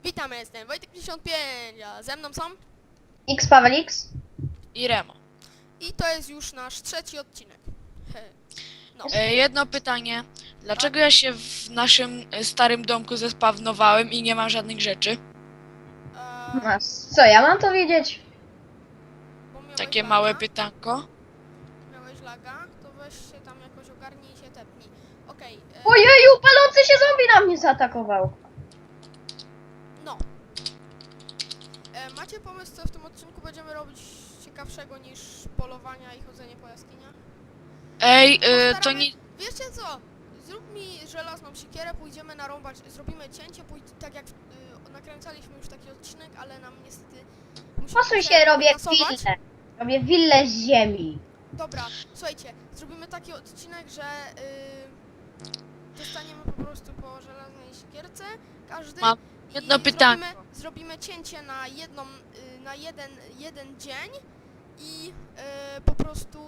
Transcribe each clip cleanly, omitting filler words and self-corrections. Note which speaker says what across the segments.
Speaker 1: Witamy, jestem Wojtek55, a ze mną są
Speaker 2: X Paweł X.
Speaker 3: I Remo.
Speaker 1: i to jest już nasz trzeci odcinek. No,
Speaker 3: Jedno pytanie. Dlaczego ja się w naszym starym domku zespawnowałem i nie mam żadnych rzeczy?
Speaker 2: A co, ja mam to wiedzieć?
Speaker 1: bo miałeś
Speaker 3: Takie
Speaker 1: laga,
Speaker 3: małe pytanko.
Speaker 1: Miałeś laga, to weź się tam jakoś ogarnij i się tepnij. Okej,
Speaker 2: Ojeju, palący się zombie na mnie zaatakował.
Speaker 1: no. Macie pomysł, co w tym odcinku będziemy robić ciekawszego niż polowania i chodzenie po jaskiniach?
Speaker 3: Ej, to
Speaker 1: Postaramy-
Speaker 3: nie...
Speaker 1: Wiecie co? Zrób mi żelazną siekierę, pójdziemy narąbać, zrobimy cięcie, tak jak nakręcaliśmy już taki odcinek, ale nam niestety... musimy
Speaker 2: Posuń się, robię
Speaker 1: nasować.
Speaker 2: willę. Robię willę z ziemi.
Speaker 1: Dobra, słuchajcie, zrobimy taki odcinek, że dostaniemy po prostu po żelaznej siekierce, każdy.
Speaker 3: Mam
Speaker 1: i
Speaker 3: jedno pytanko.
Speaker 1: Zrobimy cięcie na jedną, na jeden dzień i po prostu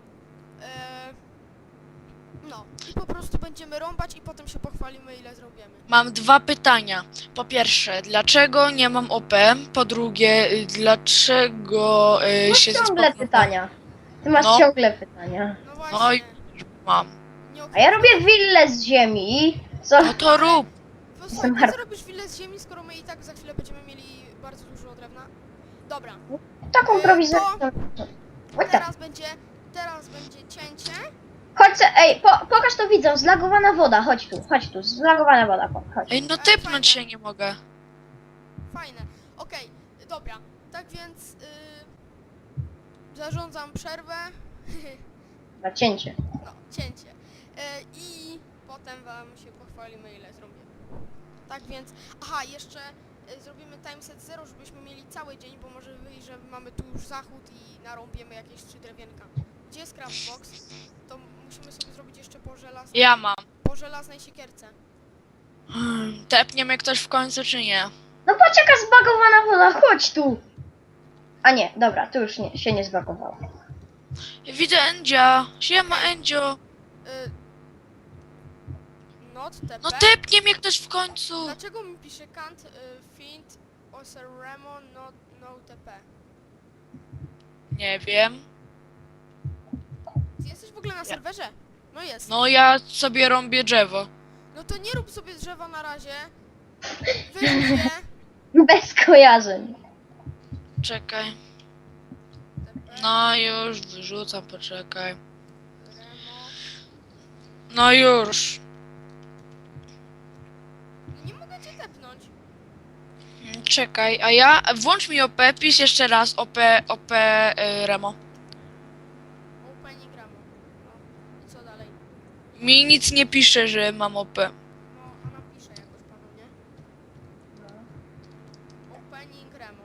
Speaker 1: no, i po prostu będziemy rąbać i potem się pochwalimy, ile zrobimy.
Speaker 3: Mam dwa pytania. Po pierwsze, dlaczego nie mam OP? Po drugie, dlaczego
Speaker 2: Masz
Speaker 3: się
Speaker 2: ciągle
Speaker 3: zespawnowałem?
Speaker 2: pytania. Ty masz
Speaker 3: No.
Speaker 2: ciągle pytania.
Speaker 1: No
Speaker 3: No
Speaker 1: właśnie.
Speaker 3: i mam.
Speaker 1: Nie
Speaker 2: A ja robię willę z ziemi. Co?
Speaker 3: No to rób.
Speaker 1: Posłuchaj, po
Speaker 2: Jestem
Speaker 1: co robisz willę z ziemi, skoro my i tak za chwilę będziemy mieli bardzo dużo drewna? Dobra,
Speaker 2: Taką prowizorię.
Speaker 1: teraz będzie cięcie.
Speaker 2: Chodź, ej, pokaż to widzom, zlagowana woda, chodź tu, zlagowana woda, chodź.
Speaker 3: Ej, no typnąć się nie mogę.
Speaker 1: Fajne. Okej, dobra. Tak więc zarządzam przerwę.
Speaker 2: Na cięcie.
Speaker 1: No, cięcie. I potem wam się pochwalimy, ile zrobimy. Tak więc, aha, jeszcze zrobimy timeset 0, żebyśmy mieli cały dzień, bo może wyjść, że mamy tu już zachód i narąbiemy jakieś 3 drewienka. Gdzie jest craftbox? To musimy sobie zrobić jeszcze
Speaker 3: Ja mam.
Speaker 1: po żelaznej siekierce.
Speaker 3: Tepnie mnie ktoś w końcu, czy nie?
Speaker 2: No patrz jaka zbagowana woda, chodź tu. A nie, dobra, tu już się nie zbagowało.
Speaker 3: Widzę Endzia. Siema, Endzio.
Speaker 1: Not TP.
Speaker 3: No tepnie mnie ktoś w końcu.
Speaker 1: Dlaczego mi pisze can't find Oseremo no TP?
Speaker 3: Nie wiem.
Speaker 1: Ty jesteś w ogóle na serwerze? No jest.
Speaker 3: No ja sobie rąbię drzewo.
Speaker 1: No to nie rób sobie drzewa na razie. Wyrzuć je.
Speaker 2: Bez kojarzeń.
Speaker 3: Czekaj.
Speaker 1: TP,
Speaker 3: No już wyrzucam, poczekaj.
Speaker 1: Remo.
Speaker 3: No już.
Speaker 1: No nie mogę cię tepnąć.
Speaker 3: Czekaj, a ja... Włącz mi OP, pisz jeszcze raz OP Remo.
Speaker 1: Opening Remo. No i co dalej?
Speaker 3: Mi nic nie pisze, że mam OP.
Speaker 1: No, a napiszę jakoś panu, nie? Opening Remo.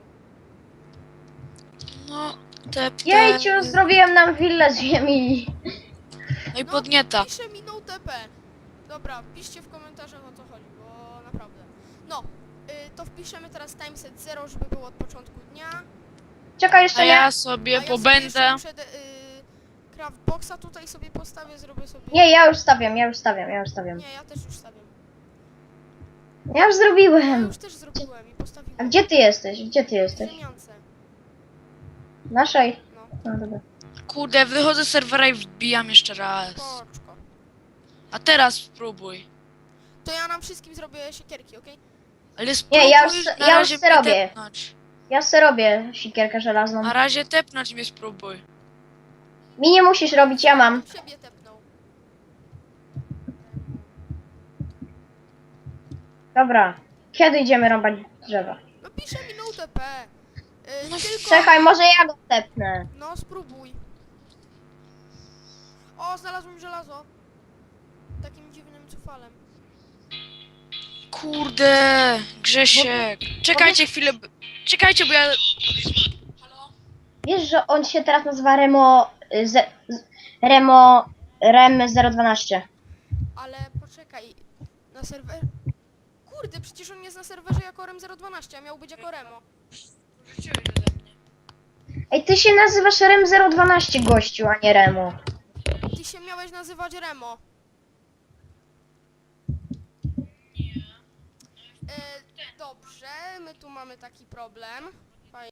Speaker 3: No, tepnę.
Speaker 2: Jejciu, zrobiłem nam willę z ziemi.
Speaker 3: No i podnieta.
Speaker 1: Pisze mi no TP. Dobra, piszcie w komentarzach, o co chodzi, bo naprawdę. No, to wpiszemy teraz timeset 0, żeby było od początku dnia.
Speaker 2: Czekaj
Speaker 3: A
Speaker 2: jeszcze nie.
Speaker 3: ja sobie
Speaker 1: A ja
Speaker 3: pobędę.
Speaker 1: sobie jeszcze muszę craftboxa tutaj sobie postawię, zrobię sobie...
Speaker 2: Nie, ja już stawiam.
Speaker 1: Nie, ja też już stawiam.
Speaker 2: Ja już
Speaker 1: Ja
Speaker 2: zrobiłem.
Speaker 1: już też zrobiłem i postawiłem.
Speaker 2: A gdzie ty jesteś?
Speaker 1: W ziemiance.
Speaker 2: Naszej?
Speaker 1: No,
Speaker 2: No dobra.
Speaker 3: Kurde, wychodzę z serwera i wbijam jeszcze raz.
Speaker 1: poczko.
Speaker 3: A teraz spróbuj.
Speaker 1: To ja nam wszystkim zrobię siekierki, okej?
Speaker 3: Ale spróbuj
Speaker 2: ja już
Speaker 3: na razie mnie
Speaker 2: robię.
Speaker 3: tepnąć.
Speaker 2: Ja se robię sikierkę żelazną.
Speaker 3: Na razie tepnąć mnie spróbuj.
Speaker 2: Mi nie musisz robić, ja mam.
Speaker 1: Siebie tepnął.
Speaker 2: Dobra. Kiedy idziemy rąbać drzewa?
Speaker 1: No pisze mi no TP.
Speaker 3: No
Speaker 1: Tylko...
Speaker 2: Czekaj, może ja go tepnę.
Speaker 1: No, spróbuj. O, znalazłem żelazo. Takim dziwnym cufalem.
Speaker 3: Kurde, Grzesiek. Czekajcie chwilę. Czekajcie, bo ja... Halo?
Speaker 2: Wiesz, że on się teraz nazywa Rem 012.
Speaker 1: Ale poczekaj, na serwer... Kurde, przecież on jest na serwerze jako Rem012, a miał być jako Remo.
Speaker 3: Wróciłeś ode mnie.
Speaker 2: Ej, ty się nazywasz Rem 012, gościu, a nie Remo.
Speaker 1: Ty się miałeś nazywać Remo.
Speaker 3: Nie.
Speaker 1: E, Dobrze, my tu mamy taki problem.